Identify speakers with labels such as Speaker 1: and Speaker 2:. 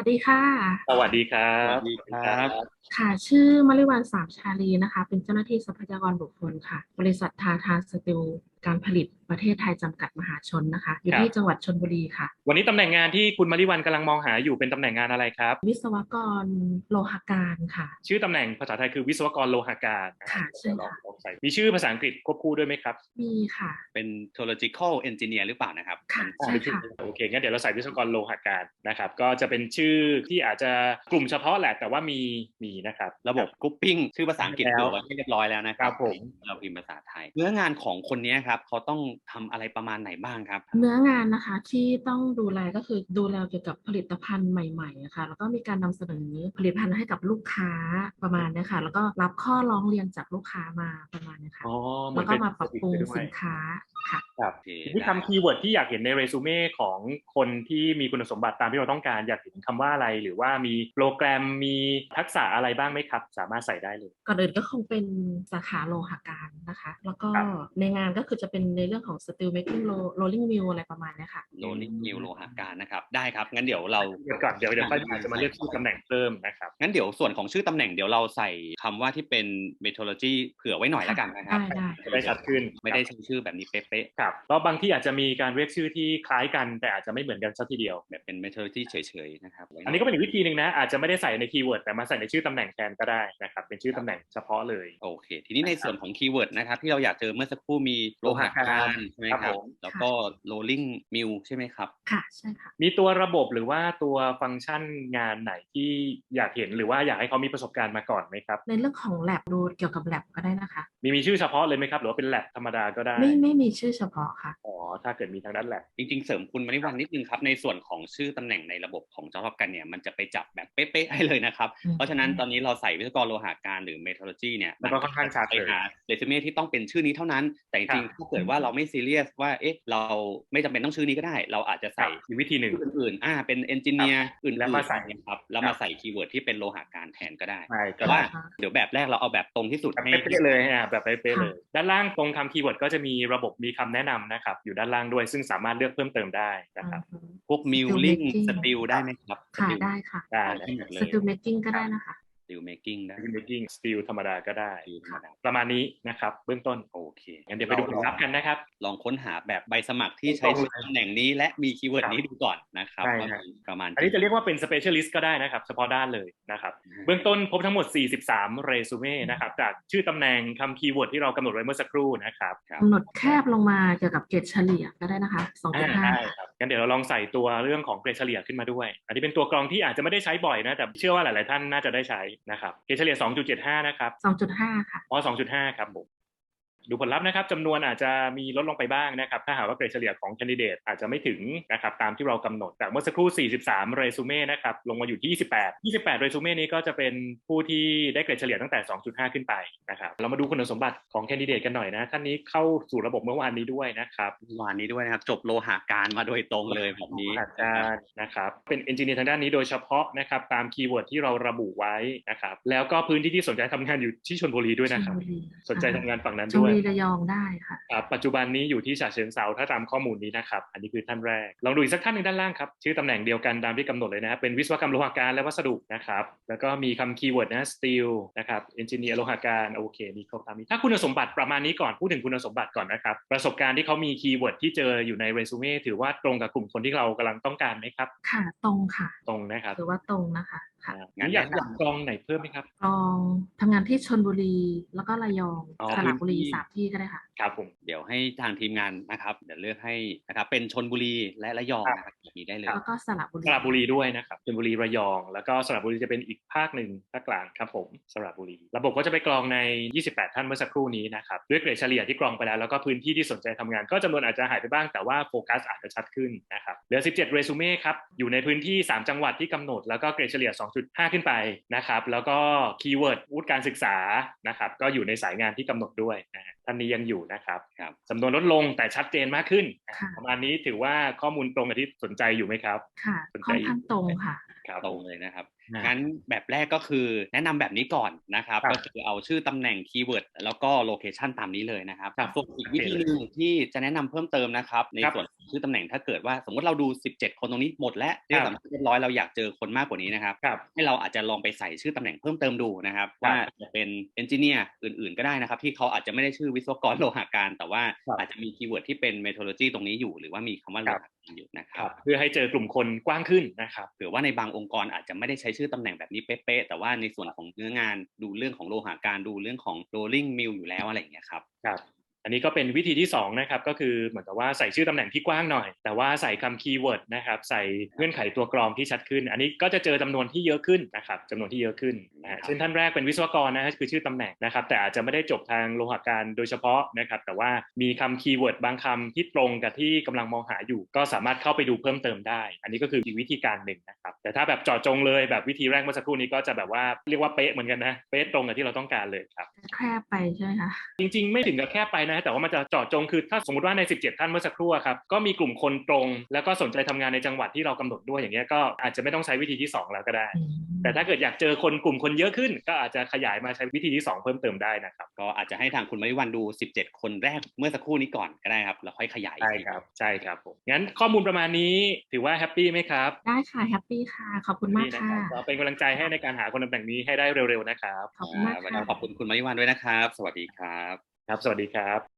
Speaker 1: ดีค่ะ
Speaker 2: สวัสดีครั
Speaker 3: สวัส
Speaker 2: บ
Speaker 3: ดีครั
Speaker 2: คุณครั
Speaker 3: บ
Speaker 2: บ
Speaker 1: ค่ะชื่อมริวันสามชาลีนะคะเป็นเจ้าหน้าที่ทรัพยากรบุคคลค่ะบริษัททาทาสตีลการผลิตประเทศไทยจำกัดมหาชนนะคะอยู่
Speaker 2: ครับ
Speaker 1: ที่จังหวัดชลบุรีค่ะ
Speaker 2: วันนี้ตำแหน่งงานที่คุณมาริวันกำลังมองหาอยู่เป็นตำแหน่งงานอะไรครับ
Speaker 1: วิศวกรโลหการค่ะ
Speaker 2: ชื่อตำแหน่งภาษาไทยคือวิศวกรโลหาการนะครับ
Speaker 1: ค่ะใช่
Speaker 2: เดี๋ยวลอง
Speaker 1: ค่ะ
Speaker 2: ใส่มีชื่อภาษาอังกฤษควบคู่ด้วยไหมครับ
Speaker 1: มีค่ะ
Speaker 3: เป็น geological engineer หรือเปล่านะครับ
Speaker 1: ค่ะ
Speaker 3: มัน
Speaker 1: ใช่
Speaker 2: เป็นชื่อ
Speaker 1: ค่ะ
Speaker 2: โอเคงั้นเดี๋ยวเราใส่วิศวกรโลหาการนะครับก็จะเป็นชื่อที่อาจจะกลุ่มเฉพาะแหละแต่ว่ามีนะครับ
Speaker 3: ระบบ grouping ชื่อภาษาอังกฤษ
Speaker 2: แล้ว
Speaker 3: เผื่อไว้ให้เรียบร้อยแล้วนะครับ
Speaker 2: ครับผม
Speaker 3: เราพิมพ์ภาษาไทยเนื้องานของคนนี้ครับเขาต้องทำอะไรประมาณไหนบ้างครับ
Speaker 1: เนื้องานนะคะที่ต้องดูแลก็คือดูแลเกี่ยวกับผลิตภัณฑ์ใหม่ๆอะค่ะแล้วก็มีการนำเสนอผลิตภัณฑ์ให้กับลูกค้าประมาณเนี้ยค่ะแล้วก็รับข้อร้องเรียนจากลูกค้ามาประมาณเนี้ยค่ะ
Speaker 2: อ๋อเหมื
Speaker 1: แล้วก็
Speaker 2: อนเป็น
Speaker 1: มาปรับปรุง
Speaker 2: ไปด้วย
Speaker 1: สินค้าค่ะ
Speaker 2: ครับ
Speaker 3: โอเค
Speaker 2: ทีนี้
Speaker 3: ได้
Speaker 2: คำคีย์เวิร์ดที่อยากเห็นในเรซูเม่ของคนที่มีคุณสมบัติตามที่เราต้องการอยากเห็นคำว่าอะไรหรือว่ามีโปรแกรมมีทักษะอะไรบ้างไหมครับสามารถใส่ได้เลย
Speaker 1: ก่อนอื่นก็คงเป็นสาขาโลหะการนะคะแล้วก็
Speaker 2: ครับ
Speaker 1: ในงานก็คือจะเป็นในเรื่องของ steel making rolling mill อะไรประมาณเนี้ยค่ะ
Speaker 3: โรลลิ่งนิวโลหะการนะครับได้ครับงั้นเดี๋ยวเรา
Speaker 2: เดี๋ยวก่อนเดี๋ยวค่อยอาจจะมาเลือกชื่อตำแหน่งเพิ่มนะครับ
Speaker 3: งั้นเดี๋ยวส่วนของชื่อตำแหน่งเดี๋ยวเราใส่คำว่าที่เป็น methodology เผื่อไว้หน่อยแล้วกันนะครับ
Speaker 1: ได้ได้
Speaker 2: จะได้ชัดขึ้น
Speaker 3: ไม่ได้ใช้ชื่อแบบนี้เป๊ะ
Speaker 2: ครับเพราะบางที่อาจจะมีการเรียกชื่อที่คล้ายกันแต่อาจจะไม่เหมือนกันสักทีเดียว
Speaker 3: ๆแบบเป็น methodology เฉยๆนะครับไว้หน่อย
Speaker 2: อันนี้ก็เป็นอีกวิธีหนึ่งนะอาจจะไม่ได้ใส่ในคีย์เวิร์ดแต่มาใส่ในชื่อตำแหน่งแทนก็ได้นะครับเป็นชื่อตำแหน่งเฉพาะเลย
Speaker 3: โอเคทีนี้ในส่วนของคีย์เวิร์ดนะครับที่เราอยากเจอเมื่อสักครู่มีโลหะการใช่ไหม
Speaker 2: ครับ
Speaker 3: ครับ
Speaker 2: ผม
Speaker 3: แล้วก็ rolling mill ใช่ไหมครับ
Speaker 1: ค่ะใช่ค่ะ
Speaker 2: มีตัวระบบหรือว่าตัวฟังก์ชันงานไหนที่อยากเห็นหรือว่าอยากให้เขามีประสบการณ์มาก่อนไหมครับ
Speaker 1: ในเรื่องของ lab ดูเกี่ยวกับ lab ก็ได้นะคะ
Speaker 2: มีชื่อเฉพาะเลยไหมครับหรือว่าเป็นแลบธรรมดาก็ได้
Speaker 1: ไม่มีชื่อเฉพาะค่ะ
Speaker 2: อ๋อถ้าเกิดมีทางด้านแลบ
Speaker 3: จริงๆเสริมคุณมณิวันนิดนึงครับในส่วนของชื่อตำแหน่งในระบบของ Job กันเนี่ยมันจะไปจับแบบเป๊ะๆให้เลยนะครับเพราะฉะนั้นตอนนี้เราใส่วิศวกรโลหะการหรือ methodology เนี่ย
Speaker 2: มันก็ค่อนข้างชัด
Speaker 3: ไป
Speaker 2: เลย
Speaker 3: หาเรซูเม่ที่ต้องเป็นชื่อนี้เท่านั้นแต่จริงๆถ้าเกิดว่าเราไม่ซีเรียสว่าเอ๊ะเราไม่จำเป็นต้องชื่อนี้ก็ได้เราอาจจะใส่
Speaker 2: มีวิธีหนึ่ง
Speaker 3: ชื่ออื่นๆเป็นเอนจิเนียร์อื่
Speaker 2: แล้วมา
Speaker 3: น
Speaker 2: ใส่
Speaker 3: ๆนะครับแล้วมาใส่คีย์เวิร์ดที่เป็นโลหะการแทนก็ได้
Speaker 2: ใช่ก็
Speaker 3: แต่ว่า
Speaker 2: ได้
Speaker 3: เดี๋ยวแบบแรกเราเอาแบบตรงที่สุด
Speaker 2: แบบ
Speaker 3: ให้
Speaker 2: เป๊ะๆเลยแบบเป๊ะๆเล
Speaker 1: ค่ะ
Speaker 2: ยด้านล่างตรงคำคีย์เวิร์ดก็จะมีระบบมีคำแนะนำนะครับอยู่ด้านล่างด้วยซึ่งสามารถเลือกเพิ่มเติมได้นะครับ
Speaker 3: พวก
Speaker 1: steel
Speaker 3: milling
Speaker 1: making
Speaker 3: steel ได้ไหมครับ
Speaker 1: ค่ะ
Speaker 3: steel
Speaker 1: ได้ค่ะ
Speaker 2: ได้
Speaker 3: เอาได้หมดเลย
Speaker 1: steel making ก็ได้นะคะ
Speaker 3: steel making ได้
Speaker 2: making steel ธรรมดาก็ได้
Speaker 3: steel ธรรมดา
Speaker 2: ประมาณนี้นะครับเบื้องต้น
Speaker 3: โอเค
Speaker 2: งั้นเดี๋ยวไปดูผลลัพธ์กันนะครับ
Speaker 3: ลองค้นหาแบบใบสมัครที่ใช้ชื่อตำแหน่งนี้และมีคีย์เวิร์ดนี้ดูก่อนนะครับ
Speaker 2: ใช่
Speaker 3: ว่า
Speaker 2: ครับ
Speaker 3: มีประมาณ
Speaker 2: อันนี้จะเรียกว่าเป็น specialist ก็ได้นะครับเฉพาะด้านเลยนะครับเบื้องต้นพบทั้งหมด43เรซูเม่นะครับจากชื่อตำแหน่งคำคีย์เวิร์ดที่เรากำหนดไว้เมื่อสักครู่นะครับ
Speaker 1: กำหนดแคบลงมาเกี่ยวกับเกรดเฉลี่ยก็ได้นะคะ2.5
Speaker 2: ได้ครับงั้นเดี๋ยวเราลองใส่ตัวเรื่องของเกรดเฉลี่ยขึ้นมาด้วยอันนี้เป็นตัวกรองที่อาจจะไม่ได้ใช้บ่อยนะแต่เชื่อว่าหลายๆท่านน่าจะได้ใช้นะครับเกรดเฉลี่ย2.75นะครับ
Speaker 1: 2.5ค่ะ
Speaker 2: อ๋อ2.5ครับผม ดูผลลัพธ์นะครับจำนวนอาจจะมีลดลงไปบ้างนะครับถ้าหากว่าเกรดเฉลี่ยของแคนดิเดตอาจจะไม่ถึงนะครับตามที่เรากำหนดจากเมื่อสักครู่43เรซูเม่นะครับลงมาอยู่ที่28เรซูเม่นี้ก็จะเป็นผู้ที่ได้เกรดเฉลี่ยตั้งแต่2.5ขึ้นไปนะครับเรามาดูคุณสมบัติของแคนดิเดตกันหน่อยนะท่านนี้เข้าสู่ระบบเมื่อวานนี้ด้วยนะครับ
Speaker 3: วันนี้ด้วยนะครับจบโลหะการมาโดยตรงเลยแบบนี้
Speaker 2: อาจารย์นะครับเป็นเอนจิเนียร์ทางด้านนี้โดยเฉพาะนะครับตามคีย์เวิร์ดที่เราระบุไว้นะครับแล้วก็พื้นที่ที่สนใจทำงานอยู่ที่ชลบุรีด้วยนะครับสนใจทำงานฝั่งนั้นด้วย
Speaker 1: ระยองได้ค่ะ
Speaker 2: ปัจจุบันนี้อยู่ที่ฉะเชิงเทราถ้าตามข้อมูลนี้นะครับอันนี้คือท่านแรกลองดูอีกสักท่านหนึ่งด้านล่างครับชื่อตำแหน่งเดียวกันตามที่กำหนดเลยนะครับเป็นวิศวกรรมโลหะการและวัสดุนะครับแล้วก็มีคำคีย์เวิร์ดนะ steel นะครับ engineer โลหะการโอเคมีครบตามนี้ถ้าคุณสมบัติประมาณนี้ก่อนพูดถึงคุณสมบัติก่อนนะครับประสบการณ์ที่เขามีคีย์เวิร์ดที่เจออยู่ในเรซูเม่ถือว่าตรงกับกลุ่มคนที่เรากำลังต้องการไหมครับ
Speaker 1: ค่ะตรงค่ะ
Speaker 2: ตรงนะครับ
Speaker 1: ถือว่าตรงนะคะค่ะ
Speaker 2: งั้นอยากกรองไหนเพิ่มไหมครับ
Speaker 1: ลองทำงานที่ชลบุรีแล้วก็ระยองสระบุรี
Speaker 2: พื้นที่
Speaker 1: 3 ที่ก็ได้ค่ะ
Speaker 2: ครับผม
Speaker 3: เดี๋ยวให้ทางทีมงานนะครับเดี๋ยวเลือกให้นะครับเป็นชลบุรีและระยองนะครับแบบนี้ได้เลย
Speaker 1: แล้วก็สระบุรี
Speaker 2: สระบุรีด้วยนะครับชลบุรีระยองแล้วก็สระบุรีจะเป็นอีกภาคหนึ่งภาคกลางครับผมสระบุรีระบบก็จะไปกรองใน28ท่านเมื่อสักครู่นี้นะครับด้วยเกรดเฉลี่ยที่กรองไปแล้วแล้วก็พื้นที่ที่สนใจทำงานก็จำนวนอาจจะหายไปบ้างแต่ว่าโฟกัสอาจจะชัดขึ้นนะครับเหลือ17เรซูเม่ครับอยู่ในพื้นที่3จังหวัดที่กำหนดแล้วก็เกรดเฉลี่ย2.5ขึ้นไปนะครับแล้วก็คีย์เวิร์ดวุฒิการศึกษานะครับก็อยู่ในสายงานที่กำหนดด้วยนะท่านนี้ยังอยู่นะครับจำนวนลดลงแต่ชัดเจนมากขึ้นประมาณนี้ถือว่าข้อมูลตรงกับที่สนใจอยู่ไหมครับ
Speaker 1: ค่ะค่อนข้างตรงค่ะ
Speaker 2: ครับ
Speaker 3: ตรงเลยนะครับ
Speaker 2: อ่า
Speaker 3: งั้นแบบแรกก็คือแนะนำแบบนี้ก่อนนะครับ
Speaker 2: ครับ
Speaker 3: ก็คือเอาชื่อตำแหน่งคีย์เวิร์ดแล้วก็โลเคชันตามนี้เลยนะครับ
Speaker 2: ครับ
Speaker 3: ส่วนอีกวิธีหนึ่งที่จะแนะนำเพิ่มเติมนะครับใน
Speaker 2: ครับ
Speaker 3: ส่วนของชื่อตำแหน่งถ้าเกิดว่าสมมติเราดู17คนตรงนี้หมดแล้ว
Speaker 2: ค
Speaker 3: เรีย
Speaker 2: รั
Speaker 3: ก
Speaker 2: บ
Speaker 3: สัมภาษณ์เรียบร้อยเราอยากเจอคนมากกว่านี้นะครับ
Speaker 2: ครับ
Speaker 3: ให้เราอาจจะลองไปใส่ชื่อตำแหน่งเพิ่มเติมดูนะครับ
Speaker 2: ครับ
Speaker 3: ว่าจะเป็นเอนจิเนียร์อื่นๆก็ได้นะครับที่เขาอาจจะไม่ได้ชื่อวิศวกรโลหะการแต่ว่า
Speaker 2: ครับ
Speaker 3: อาจจะมีคีย์เวิร์ดที่เป็นเมทรอโลจีตรงนี้อยู่หรือว่ามีคำว่าโล
Speaker 2: ครับ
Speaker 3: หะการอยู่นะค
Speaker 2: ค
Speaker 3: รั
Speaker 2: รับ บเพื่อให้เจอกลุ่มคนกว้างขึ้นนะครับ
Speaker 3: เผื่อว่าในบางองค์กรอาจจะไม่ได้ใช้ชื่อตำแหน่งแบบนี้เป๊ะๆแต่ว่าในส่วนของเนื้องานดูเรื่องของโลหะการดูเรื่องของ rolling mill อยู่แล้วอะไรอย่างเงี้ยครับ
Speaker 2: ครับอันนี้ก็เป็นวิธีที่2นะครับก็คือเหมือนกับว่าใส่ชื่อตำแหน่งที่กว้างหน่อยแต่ว่าใส่คำคีย์เวิร์ดนะครับใส่เงื่อนไขตัวกรองที่ชัดขึ้นอันนี้ก็จะเจอจำนวนที่เยอะขึ้นนะครับจำนวนที่เยอะขึ้นเช่นท่านแรกเป็นวิศวกรนะฮะคือชื่อตำแหน่งนะครับแต่อาจจะไม่ได้จบทางโลหะการโดยเฉพาะนะครับแต่ว่ามีคำคีย์เวิร์ดบางคำที่ตรงกับที่กำลังมองหาอยู่ก็สามารถเข้าไปดูเพิ่มเติมได้อันนี้ก็คืออีกวิธีการหนึ่งนะครับแต่ถ้าแบบเจาะจงเลยแบบวิธีแรกเมื่อสักครู่นี้ก็จะแบบว่าเรียกว่าเป๊ะเหมือนกันนะเป๊ะตรงกับที่เราต้องการเลยครับ
Speaker 1: แคบไปใช่ไหมคะ
Speaker 2: จริงๆไม่ถึงกับแค่ไปนะแต่ว่ามันจะเจาะจงคือถ้าสมมติว่าใน17ท่านเมื่อสักครู่ครับก็มีกลุ่มคนตรงแล้วก็สนใจทำงานในจังหวัดที่เรากำหนดด้วยอย่างเงี้ยก็อาจจะไม่ต้องใช้วิธีที่2แล้วก็ได้แต่ถ้าเกิดอยากเจอคนกลุ่มคนเยอะขึ้นก็อาจจะขยายมาใช้วิธีที่2เพิ่มเติมได้นะครับ
Speaker 3: ก็อาจจะให้ทางคุณมริวันดู17คนแรกเมื่อสักครู่นี้ก่อนก็ได้ครับแล้วค่อยขยาย
Speaker 2: ใช่ครับใช่ครับผมงั้นข้อมูลประมาณนี้ถือว่าแฮปปี้ไหมครับ
Speaker 1: ได้ค่ะแฮปปี้ค่ะขอบคุณมาก
Speaker 2: นี่นะ
Speaker 1: ค่ะ
Speaker 2: ครับก็เป็นกำลังใจให้ในการหาคนตำแหน่งนี้ให้ได้เร็วๆนะครับ
Speaker 1: ขอบคุณมาก
Speaker 3: วัน
Speaker 1: ค่ะ
Speaker 3: นี้ขอบคุณคุณมริวันด้วยนะครับ สวัสดีครับ
Speaker 2: ครับสวัสดีครับ